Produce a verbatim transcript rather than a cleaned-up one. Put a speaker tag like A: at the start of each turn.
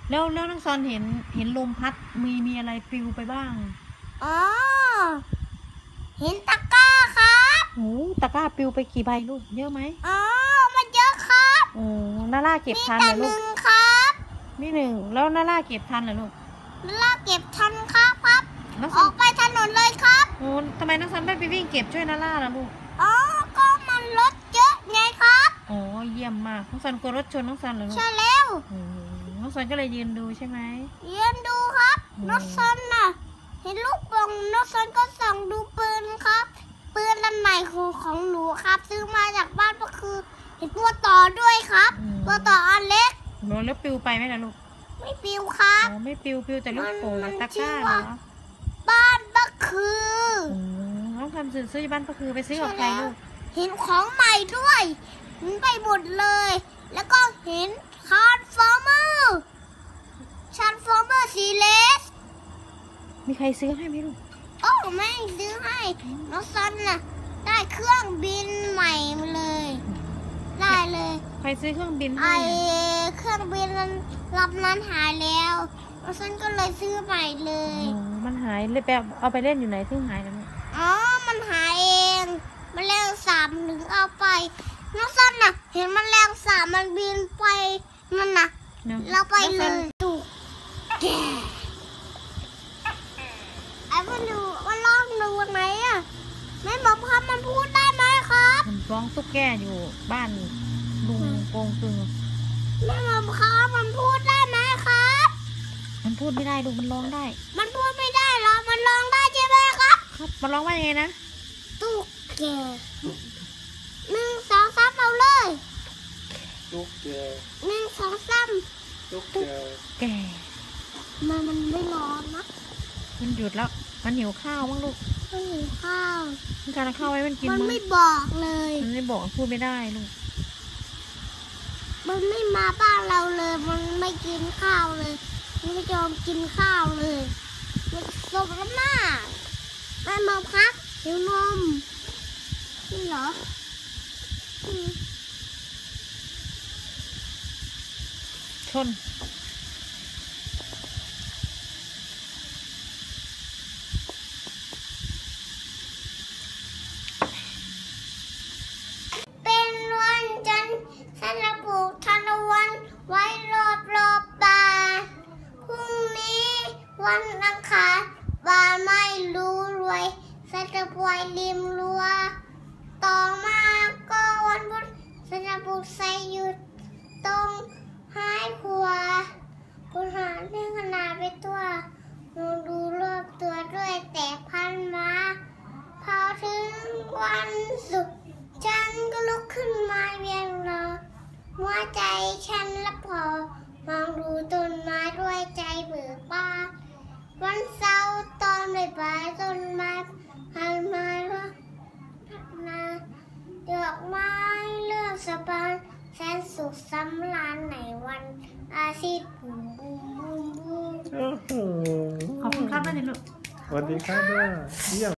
A: แล้วแล้วน้องซอนเห็นเห็นลมพัดมีมีอะไรปลิวไปบ้าง
B: อ๋อเห็นตะกร้าครับ
A: โอ้ตะกร้าปลิวไปกี่ใบลูกเยอะไหม
B: อ๋อมันเยอะครับ
A: โอ้นาล่าเก็บทันเหรอลูก
B: มีแต่หนึ่งครับ
A: มีหนึ่งแล้วนาล่าเก็บทันเหรอลูก
B: นาล่าเก็บทันครับครับออกไปถนนเลยครับ
A: โอ้ทำไมน้องซอนไม่ไปวิ่งเก็บช่วยนาล่าล่ะลูก
B: อ๋อก็มันรถเยอะไงครับ
A: โอ้เยี่ยมมากน้องซอนกลัวรถชนน้องซอนเหรอลูก
B: ใช่แล้ว
A: น้องซอนก็เลยยืนดูใช่ไหม
B: ยืนดูครับน้องซอนน่ะเห็นลูกบอลน้องซอนก็ส่องดูปืนครับปืนอันใหม่ของของหนูครับซื้อมาจากบ้านก็คือเห็นตัวต่อด้วยครับตัวต่ออันเล็ก
A: โดนแล้วปลิวไปไหมล่ะลูก
B: ไม่ปลิวครับ
A: อ๋อไม่ปลิวปลิวแต่ลูกโป่งตะกร้าเหรอ
B: บ้านก็คือ
A: น้องทำซื้อซื้อบ้านก็คือไปซื้อกับใครลูก
B: เห็นของใหม่ด้วยเห็นไปหมดเลยแล้วก็เห็นทรานส์ฟอร์เมอร์ทรานส์ฟอร์เมอร์สีเลส
A: มีใครซื้อให้ไหมลูก
B: โอ้ไม่ซื้อให้น้องซันน่ะได้เครื่องบินใหม่มาเลยได้เลย
A: ใครซื้อเครื่องบิน
B: ให้ไอเครื่องบินนั้นลำนั้นหายแล้วน้องซันก็เลยซื้อใหม่เลย
A: มันหายเลยแบบเอาไปเล่นอยู่ไหนที่หายแล้ว
B: อ๋อมันหายเองมันแรงสามถึงเอาไปน้องซันน่ะเห็นมันแรงสามมันบินไปนั่นน่ะเราไปเลยดูแกไอ้มันดูมันลองดูไหมอ่ะไม่บอกคำมันพูดได้ไหมครับ
A: มันร้องตุ๊กแกอยู่บ้านลุงโกงตึง
B: ไม่บอกคำมันพูดได้ไหมครับ
A: มันพูดไม่ได้ดูมันร้องได้
B: มันพูดไม่ได้หรอมันร้องได้ใช่ไหมครับ
A: ครับมันร้องว่ายังไงนะ
B: ตุ๊กแกหนึ่งสองสามเอาเลย
C: ตุ๊กแก
B: หนึ่งสองสาม
C: ตุ๊กแก
A: แก
B: มันมันไม่ร้อนนะ
A: มันหยุดแล้วมันหิวข้าวมั้งลูก
B: มันหิวข้าว
A: มันการข้าวไว้มันกิน
B: มันไม่บอกเลย
A: มันไม่บอกพูดไม่ได้ลูก
B: มันไม่มาบ้านเราเลยมันไม่กินข้าวเลยมันไม่ยอมกินข้าวเลยมันสมน้ำหน้าแม่มาพักหิวนมนี่เหรอ
A: ชน
B: เป็นวันจันทร์ฉันจะปลูกทานตะวันไว้รอบรอบบ้านพรุ่งนี้วันอังคารบ้านไม่รู้รวยฉันจะปล่อยริมรั้วต่อมาก็วันพุธฉันจะปลูกไส่หยุดตรงท้ายครัวคุณหาเรื่องขนาดไปตัวมองดูรอบตัวด้วยแต่พันมาพอถึงวันศุกร์ฉันก็ลุกขึ้นมาเวียนรอหัวใจฉันละพอมองดูต้นไม้ด้วยใจเบิกบานวันเสาร์ตอนบ่ายๆต้นไม้พันมาแล้วนาดอกไม้เลือกสะพานแสนสุขสำราญในวันอาทิตย์บูมบูมบูมบูม
A: ขอบคุณครับแม่ดิลูก
C: สวัสดีครับแม่เยี่ยม